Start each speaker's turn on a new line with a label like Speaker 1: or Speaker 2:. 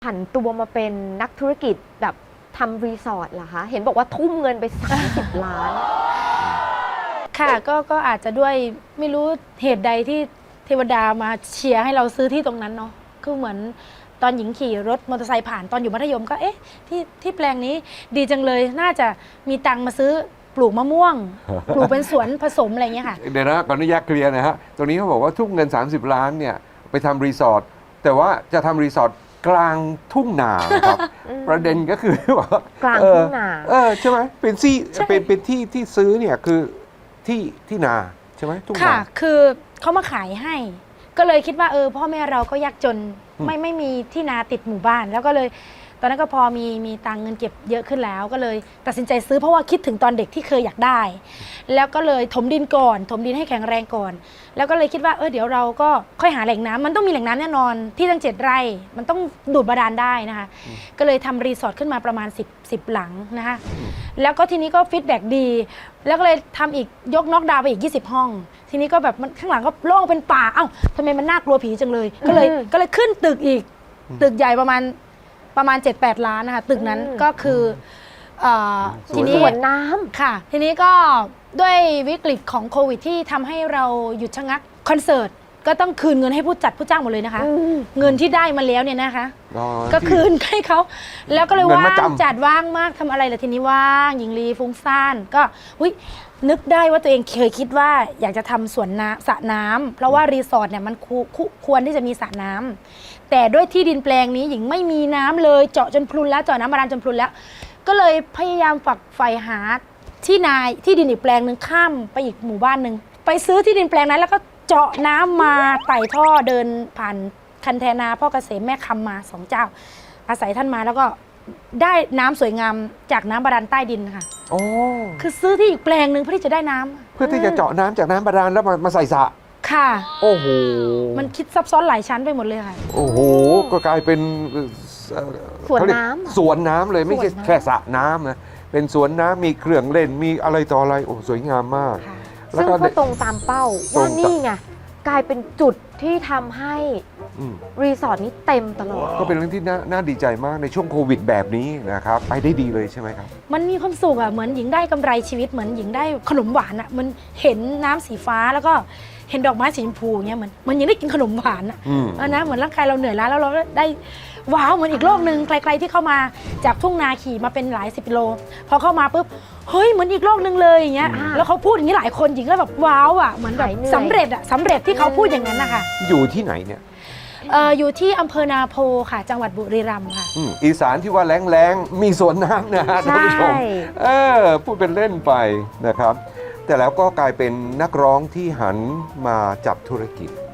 Speaker 1: ผันตัวมาเป็นนักธุรกิจแบบทำรีสอร์ทเหรอคะเห็นบอกว่าทุ่มเงินไป30 ล้าน
Speaker 2: ค่ะก็อาจจะด้วยไม่รู้เหตุใดที่เทวดามาเชียร์ให้เราซื้อที่ตรงนั้นเนาะคือเหมือนตอนหญิงขี่รถมอเตอร์ไซค์ผ่านตอนอยู่มัธยมก็เอ๊ะที่แปลงนี้ดีจังเลยน่าจะมีตังค์มาซื้อปลูกมะม่วง ปลูกเป็นสวนผสมอะไรเงี้ยค่ะ
Speaker 3: เดี๋ยวนะก่อนอนุญาตเคลียร์นะฮะตรงนี้เขาบอกว่าทุ่มเงิน30 ล้านเนี่ยไปทำรีสอร์ทแต่ว่าจะทำรีสอร์ทกลางทุ่งนาครับ ประเด็นก็คือว่าก
Speaker 1: ลางทุ่งนา
Speaker 3: ใช่ไหมเป็นที่ที่ซื้อเนี่ยคือที่นาใช่ไหมทุ่งนา
Speaker 2: ค่ะคือเขามาขายให้ก็เลยคิดว่าพ่อแม่เราก็ยากจนไม่มีที่นาติดหมู่บ้านแล้วก็เลยตอนนั้นก็พอมีตังเงินเก็บเยอะขึ้นแล้วก็เลยตัดสินใจซื้อเพราะว่าคิดถึงตอนเด็กที่เคยอยากได้แล้วก็เลยถมดินก่อนถมดินให้แข็งแรงก่อนแล้วก็เลยคิดว่าเดี๋ยวเราก็ค่อยหาแหล่งน้ำมันต้องมีแหล่งน้ำแน่นอนที่ตั้ง7 ไร่มันต้องดูดบาดาลได้นะคะก็เลยทำรีสอร์ทขึ้นมาประมาณ10 หลังนะคะแล้วก็ทีนี้ก็ฟีดแบ็กดีแล้วก็เลยทำอีกยกน็อกดาวน์ไปอีก20 ห้องทีนี้ก็แบบมันข้างหลังก็โล่งเป็นป่าเอ้าทำไมมันน่ากลัวผีจังเลยก็เลยขึ้นตึกอีกตึกใหญ่ประมาณ 7-8 ล้านนะคะตึกนั้นก็คือทีนี้
Speaker 1: สวนน้ำ
Speaker 2: ค่ะทีนี้ก็ด้วยวิกฤตของโควิดที่ทำให้เราหยุดชะงักคอนเสิร์ตก็ต้องคืนเงินให้ผู้จัดผู้จ้างหมดเลยนะคะเงินที่ได้มาแล้วเนี่ยนะคะก็คืนให้เขาแล้วก็เลยว่างจัดว่างมากทำอะไรล่ะทีนี้ว่างหญิงลีฟุ้งซ่านก็นึกได้ว่าตัวเองเคยคิดว่าอยากจะทำสวนน้ำสระน้ำเพราะว่ารีสอร์ทเนี่ยมันควรที่จะมีสระน้ำแต่ด้วยที่ดินแปลงนี้หญิงไม่มีน้ำเลยเจาะจนพรุนแล้วเจาะน้ำบาดาลจนพรุนแล้วก็เลยพยายามฝักใฝ่หาที่ดินอีกแปลงหนึ่งข้ามไปอีกหมู่บ้านหนึ่งไปซื้อที่ดินแปลงนั้นแล้วก็เจาะน้ำมาไต่ท่อเดินผ่านคันแทนาพ่อเกษมแม่คำมา2 เจ้าอาศัยท่านมาแล้วก็ได้น้ำสวยงามจากน้ำบาดาลใต้ดินค่ะ
Speaker 3: โอ้
Speaker 2: คือซื้อที่อีกแปลงหนึ่งเพื่อที่จะได้น้ำ
Speaker 3: เพื่อที่จะเจาะน้ำจากน้ำบาดาลแล้วมาใส่สระ
Speaker 2: ค่ะ
Speaker 3: โอ้โห
Speaker 2: มันคิดซับซ้อนหลายชั้นไปหมดเลยค่ะ
Speaker 3: โอ้โหก็กลายเป็น
Speaker 1: สวนน้ำ
Speaker 3: สวนน้ำเลยไม่ใช่แค่สระน้ำนะเป็นสวนน้ำมีเครื่องเล่นมีอะไรต่ออะไรโอ้สวยงามมาก
Speaker 1: ซึ่งก็ตรงตามเป้าว่านี่ไงกลายเป็นจุดที่ทำให้รีสอร์ทนี้เต็มตลอด
Speaker 3: ก็เป็นเรื่องที่น่าดีใจมากในช่วงโควิดแบบนี้นะครับไปได้ดีเลยใช่ไหมครับ
Speaker 2: มันมีความสุขอ่ะเหมือนหญิงได้กำไรชีวิตเหมือนหญิงได้ขนมหวานอ่ะมันเห็นน้ำสีฟ้าแล้วก็เห็นดอกไม้สีชมพูเงี้ยเหมือนหญิงได้กินขนมหวานอ่ะนะเหมือนร่างกายเราเหนื่อยล้าแล้วเราได้ว้าวเหมือนอีกโลกหนึ่งไกลๆที่เข้ามาจากทุ่งนาขี่มาเป็นหลาย10 กิโลพอเข้ามาปุ๊บเฮ้ยเหมือนอีกโลกหนึ่งเลยอย่างเงี้ยแล้วเขาพูดอย่างนี้หลายคนหญิงก็แบบว้าวอ่ะเหมือนแบบสำเร็จที่เขาพูดอย่างนั้นนะคะ
Speaker 3: อยู่ที่ไหนเนี่ย
Speaker 2: อยู่ที่อำเภอนาโพค่ะจังหวัดบุรีรัมย์ค่ะ
Speaker 3: อีสานที่ว่าแรงมีสวนน้ำนะท่านผู้ชมพูดเป็นเล่นไปนะครับแต่แล้วก็กลายเป็นนักร้องที่หันมาจับธุรกิจ